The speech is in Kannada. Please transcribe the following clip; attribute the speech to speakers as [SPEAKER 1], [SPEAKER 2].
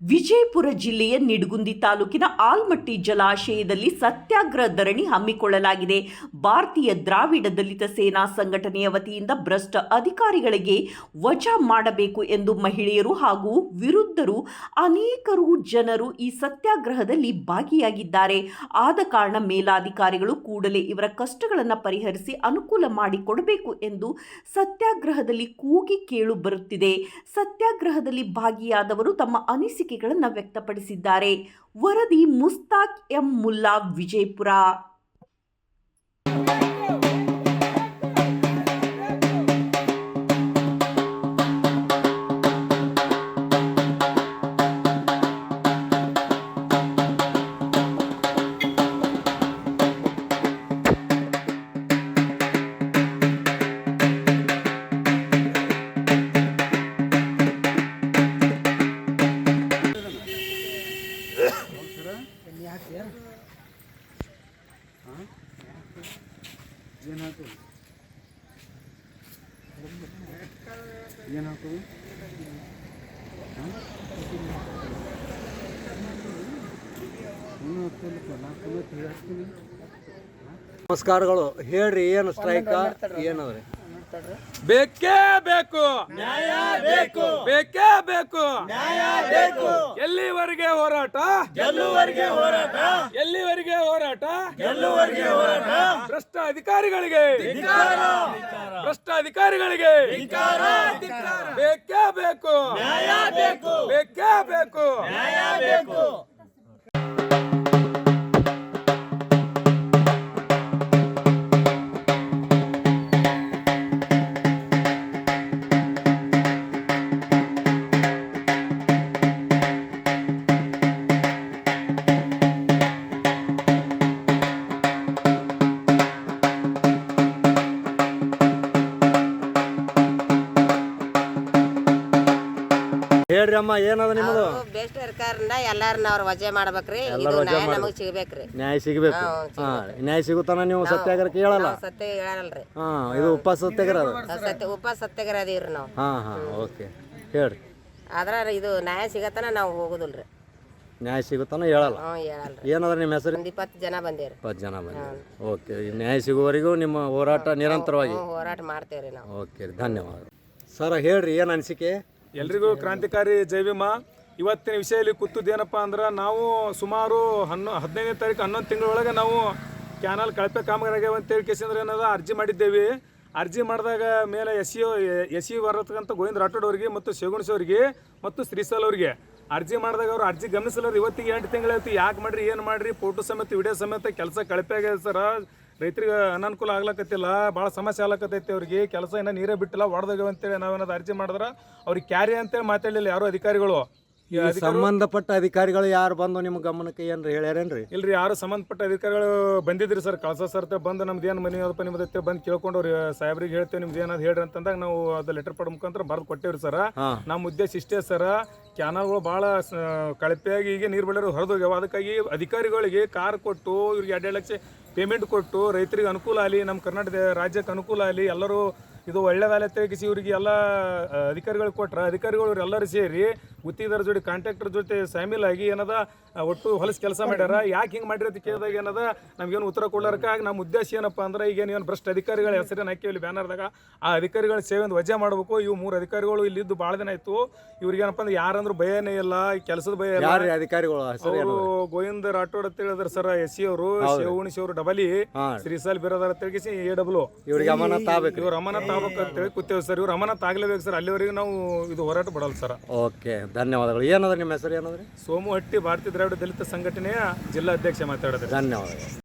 [SPEAKER 1] ವಿಜಯಪುರ ಜಿಲ್ಲೆಯ ನಿಡಗುಂದಿ ತಾಲೂಕಿನ ಆಲ್ಮಟ್ಟಿ ಜಲಾಶಯದಲ್ಲಿ ಸತ್ಯಾಗ್ರಹ ಧರಣಿ ಹಮ್ಮಿಕೊಳ್ಳಲಾಗಿದೆ. ಭಾರತೀಯ ದ್ರಾವಿಡ ದಲಿತ ಸೇನಾ ಸಂಘಟನೆಯ ವತಿಯಿಂದ ಭ್ರಷ್ಟ ಅಧಿಕಾರಿಗಳಿಗೆ ವಜಾ ಮಾಡಬೇಕು ಎಂದು ಮಹಿಳೆಯರು ಹಾಗೂ ವಿರುದ್ಧರು ಅನೇಕರು ಜನರು ಈ ಸತ್ಯಾಗ್ರಹದಲ್ಲಿ ಭಾಗಿಯಾಗಿದ್ದಾರೆ. ಆದ ಕಾರಣ ಮೇಲಾಧಿಕಾರಿಗಳು ಕೂಡಲೇ ಇವರ ಕಷ್ಟಗಳನ್ನು ಪರಿಹರಿಸಿ ಅನುಕೂಲ ಮಾಡಿಕೊಡಬೇಕು ಎಂದು ಸತ್ಯಾಗ್ರಹದಲ್ಲಿ ಕೂಗಿ ಕೇಳು ಬರುತ್ತಿದೆ. ಸತ್ಯಾಗ್ರಹದಲ್ಲಿ ಭಾಗಿಯಾದವರು ತಮ್ಮ ಅನಿಸಿಕೆಗಳನ್ನು ವ್ಯಕ್ತಪಡಿಸಿದ್ದಾರೆ. ವರದಿ ಮುಸ್ತಾಕ್ ಎಂ ಮುಲ್ಲಾ, ವಿಜಯಪುರ.
[SPEAKER 2] ನಮಸ್ಕಾರಗಳು. ಹೇಳ್ರಿ, ಏನು ಸ್ಟ್ರೈಕ್ ಏನವ್ರಿ?
[SPEAKER 3] ಬೇಕೇ ಬೇಕು, ನ್ಯಾಯ ಬೇಕು, ಬೇಕೇ ಬೇಕು, ನ್ಯಾಯ ಬೇಕು. ಎಲ್ಲಿವರೆಗೆ ಹೋರಾಟ? ಗೆಲ್ಲುವರೆಗೆ ಹೋರಾಟ. ಎಲ್ಲಿವರೆಗೆ ಹೋರಾಟ? ಗೆಲ್ಲುವರೆಗೆ ಹೋರಾಟ. ಭ್ರಷ್ಟ ಅಧಿಕಾರಿಗಳಿಗೆ, ಭ್ರಷ್ಟ ಅಧಿಕಾರಿಗಳಿಗೆ ಬೇಕೇ ಬೇಕು, ನ್ಯಾಯ ಬೇಕು, ಬೇಕೇ ಬೇಕು, ನ್ಯಾಯ ಬೇಕು.
[SPEAKER 2] ಹೇಳ್ರಿ ಅಮ್ಮ, ಏನದ ನಿಮ್ಮದು?
[SPEAKER 4] ಬೆಸ್ಟ್ ಸರ್ಕಾರದಿಂದ ಎಲ್ಲಾರನ್ನ ಅವ್ರ ವಜೆ ಮಾಡ್ಬೇಕ್ರಿ. ಇದು ನ್ಯಾಯ ನಮಗ್ ಸಿಗ್ಬೇಕ್ರಿ.
[SPEAKER 2] ನ್ಯಾಯ ಸಿಗಬೇಕು. ನ್ಯಾಯ ಸಿಗುತ್ತಾನ ನೀವು ಸತ್ಯಾಗ್ರಹಕ್ಕೆ ಹೇಳಲ್ಲ?
[SPEAKER 4] ಸತ್ಯ ಹೇಳಲ್ರಿ.
[SPEAKER 2] ಇದು ಉಪ ಸತ್ಯಾಗ್ರಹ
[SPEAKER 4] ಉಪ ಸತ್ಯಾಗ್ರಹ ಅದೀವ್ರಿ ನಾವು.
[SPEAKER 2] ಓಕೆ, ಹೇಳ್ರಿ.
[SPEAKER 4] ಆದ್ರ ಇದು ನ್ಯಾಯ ಸಿಗತನ ನಾವು ಹೋಗುದಿಲ್ರಿ.
[SPEAKER 2] ನ್ಯಾಯ ಸಿಗುತ್ತಾನ ಹೇಳಲ್ಲ?
[SPEAKER 4] ಹೇಳಲ್ರಿ.
[SPEAKER 2] ಏನದ ನಿಮ್ಮ ಹೆಸರು?
[SPEAKER 4] 20 ಜನ ಬಂದೇವ್ರಿ.
[SPEAKER 2] 20 ಜನ ಬಂದಿರಿ. ಓಕೆ, ನ್ಯಾಯ ಸಿಗುವವರೆಗೂ ನಿಮ್ಮ ಹೋರಾಟ ನಿರಂತರವಾಗಿ
[SPEAKER 4] ಹೋರಾಟ ಮಾಡ್ತೇವ್ರಿ ನಾವು.
[SPEAKER 2] ಓಕೆ, ಧನ್ಯವಾದ. ಸರ್ ಹೇಳ್ರಿ, ಏನು ಅನಿಸಿಕೆ?
[SPEAKER 3] ಎಲ್ರಿಗೂ ಕ್ರಾಂತಿಕಾರಿ ಜೈ ಭೀಮ. ಇವತ್ತಿನ ವಿಷಯದಲ್ಲಿ ಕೂತದ್ದೇನಪ್ಪ ಅಂದ್ರೆ, ನಾವು ಸುಮಾರು 15ನೇ ತಾರೀಕು 11 ತಿಂಗಳೊಳಗೆ ನಾವು ಕ್ಯಾನಲ್ ಕಳಪೆ ಕಾಮಗಾರಿ ಅಂತೇಳಿ ಕೇಸಂದ್ರೆ ಏನದ ಅರ್ಜಿ ಮಾಡಿದ್ದೇವೆ. ಅರ್ಜಿ ಮಾಡಿದಾಗ ಮೇಲೆ ಎಸ್ ಸಿ ಬರತಕ್ಕಂಥ ಗೋವಿಂದ ರಾಠೋಡ್ ಅವರಿಗೆ ಮತ್ತು ಶಿವಗುಣಸ್ ಅವರಿಗೆ ಮತ್ತು ಶ್ರೀಸಲ್ ಅವರಿಗೆ ಅರ್ಜಿ ಮಾಡಿದಾಗ ಅವರು ಅರ್ಜಿ ಗಮನಿಸಲ್ಲ. ಇವತ್ತಿಗೆ 8 ತಿಂಗಳಾಯ್ತು. ಯಾಕೆ ಮಾಡ್ರಿ, ಏನು ಮಾಡ್ರಿ, ಫೋಟೋ ಸಮೇತ ವಿಡಿಯೋ ಸಮೇತ ಕೆಲಸ ಕಳಪೆ ಆಗಿದೆ ಸರ. ರೈತರಿಗೆ ಅನಾನುಕೂಲ ಆಗ್ಲಕತ್ತಿಲ್ಲ, ಭಾಳ ಸಮಸ್ಯೆ ಆಗ್ಲಕತ್ತೈತಿ. ಅವ್ರಿಗೆ ಕೆಲಸ ಇನ್ನೂ ನೀರೇ ಬಿಟ್ಟಿಲ್ಲ, ಹೊಡೆದೋಗ್ಯವ ಅಂತೇಳಿ ನಾವೇನಾದ್ರು ಅರ್ಜಿ ಮಾಡಿದ್ರೆ ಅವ್ರಿಗೆ ಕ್ಯಾರಿ ಅಂತೇಳಿ ಮಾತಾಡಲಿಲ್ಲ ಯಾರು ಅಧಿಕಾರಿಗಳು.
[SPEAKER 2] ಸಂಬಂಧಪಟ್ಟ ಅಧಿಕಾರಿಗಳು ಯಾರು ಬಂದು ನಿಮ್ಮ ಗಮನಕ್ಕೆ ಏನ್ರಿ ಹೇಳ್ಯಾರೇನ್ರಿ?
[SPEAKER 3] ಇಲ್ರಿ, ಯಾರು ಸಂಬಂಧಪಟ್ಟ ಅಧಿಕಾರಿಗಳು ಬಂದಿದ್ರಿ ಸರ್. ಕಳ್ಸ ಸರ್ತೆ ಬಂದು ನಮ್ದು ಏನು ಮನೆ ಅದಪ್ಪ ನಿಮ್ಮದೈತೆ ಬಂದು ಕೇಳ್ಕೊಂಡು ಅವ್ರು ಸಾಹೇಬ್ರಿಗೆ ಹೇಳ್ತೇವೆ, ನಿಮ್ದು ಏನಾದ್ರು ಹೇಳ್ರಿ ಅಂತಂದಾಗ ನಾವು ಅದು ಲೆಟರ್ ಪಡ ಮುಖಾಂತರ ಬರೆದು ಕೊಟ್ಟೇವ್ರಿ ಸರ್. ನಮ್ಮ ಉದ್ದೇಶ ಇಷ್ಟೇ ಸರ್, ಕ್ಯಾನಲ್ಗಳು ಭಾಳ ಕಳಪೆಯಾಗಿ ಈಗ ನೀರು ಬಿಡೋರು ಹೊರದೋಗ್ಯಾವ. ಅದಕ್ಕಾಗಿ ಅಧಿಕಾರಿಗಳಿಗೆ ಕಾರ್ ಕೊಟ್ಟು ಇವ್ರಿಗೆ 2 ಲಕ್ಷ ಪೇಮೆಂಟ್ ಕೊಟ್ಟು ರೈತರಿಗೆ ಅನುಕೂಲ ಆಗಲಿ, ನಮ್ಮ ಕರ್ನಾಟಕ ರಾಜ್ಯಕ್ಕೆ ಅನುಕೂಲ ಆಗಲಿ, ಎಲ್ಲರೂ ಇದು ಒಳ್ಳೇದಾಗಲಿ ತೆಗಿಸಿ ಇವರಿಗೆ ಎಲ್ಲ ಅಧಿಕಾರಿಗಳು ಕೊಟ್ರೆ ಅಧಿಕಾರಿಗಳು ಎಲ್ಲರೂ ಸೇರಿ ಗುತ್ತಿಗೆದಾರ ಜೊತೆ ಕಾಂಟ್ರಾಕ್ಟರ್ ಜೊತೆ ಶಾಮೀಲಾಗಿ ಏನದ ಒಟ್ಟು ಹೊಲಸು ಕೆಲಸ ಮಾಡ್ಯಾರ. ಯಾಕೆ ಹಿಂಗೆ ಮಾಡಿರಿ ಅಂತ ಕೇಳಿದಾಗ ಏನದ ನಮ್ಗೇನು ಉತ್ತರ ಕೊಡ್ಲಾರಕ್ಕಾಗಿ ನಮ್ಮ ಉದ್ದೇಶ ಏನಪ್ಪ ಅಂದ್ರೆ, ಈಗೇನು ಭ್ರಷ್ಟ ಅಧಿಕಾರಿಗಳ ಹೆಸರನ್ನು ಹಾಕಿವಿ ಬ್ಯಾನರ್ದಾಗ, ಆ ಅಧಿಕಾರಿಗಳ ಸೇವೆಯನ್ನು ವಜಾ ಮಾಡಬೇಕು. ಇವು 3 ಅಧಿಕಾರಿಗಳು ಇಲ್ಲಿದ್ದು ಭಾಳ ದಿನ ಆಯಿತು. ಇವ್ರಿಗೇನಪ್ಪ ಅಂದ್ರೆ ಯಾರಂದ್ರೂ ಭಯನೇ ಇಲ್ಲ, ಕೆಲಸದ ಭಯ ಇಲ್ಲ.
[SPEAKER 2] ಅಧಿಕಾರಿಗಳು
[SPEAKER 3] ಅವರು ಗೋವಿಂದ ರಾಠೋಡ್ ಅಂತ ಹೇಳಿದ್ರು ಸರ್, ಎಸ್ ಸಿ ಅವರು, ಶಿವಗುಣಸ್ ಅವರು ಡಬಲಿ, ಶ್ರೀಸಾಲ್ ಬಿರೋದಾರ ತೆಗಿಸಿ AW
[SPEAKER 2] ಇವ್ರಿಗೆ ಅಮಾನತ್ ಆಗ್ಬೇಕು.
[SPEAKER 3] ಇವ್ರು ಅಮಾನತ್ ಆಗ್ಬೇಕು ಅಂತೇಳಿ ಕೂತೇವೆ ಸರ್. ಇವ್ರು ಅಮಾನತ್ ಆಗ್ಲೇಬೇಕು ಸರ್, ಅಲ್ಲಿವರೆಗೂ ನಾವು ಇದು ಹೋರಾಟ ಬಿಡಲ್ಲ ಸರ್.
[SPEAKER 2] ಓಕೆ, ಧನ್ಯವಾದಗಳು. ಏನದ ನಿಮ್ಮ ಹೆಸರು? ಏನದ್ರಿ?
[SPEAKER 3] ಸೋಮು ಹಟ್ಟಿ, ಭಾರತೀಯ ದ್ರಾವಿಡ ದಲಿತ ಸಂಘಟನೆಯ ಜಿಲ್ಲಾ ಅಧ್ಯಕ್ಷ ಮಾತಾಡೋದು.
[SPEAKER 2] ಧನ್ಯವಾದಗಳು.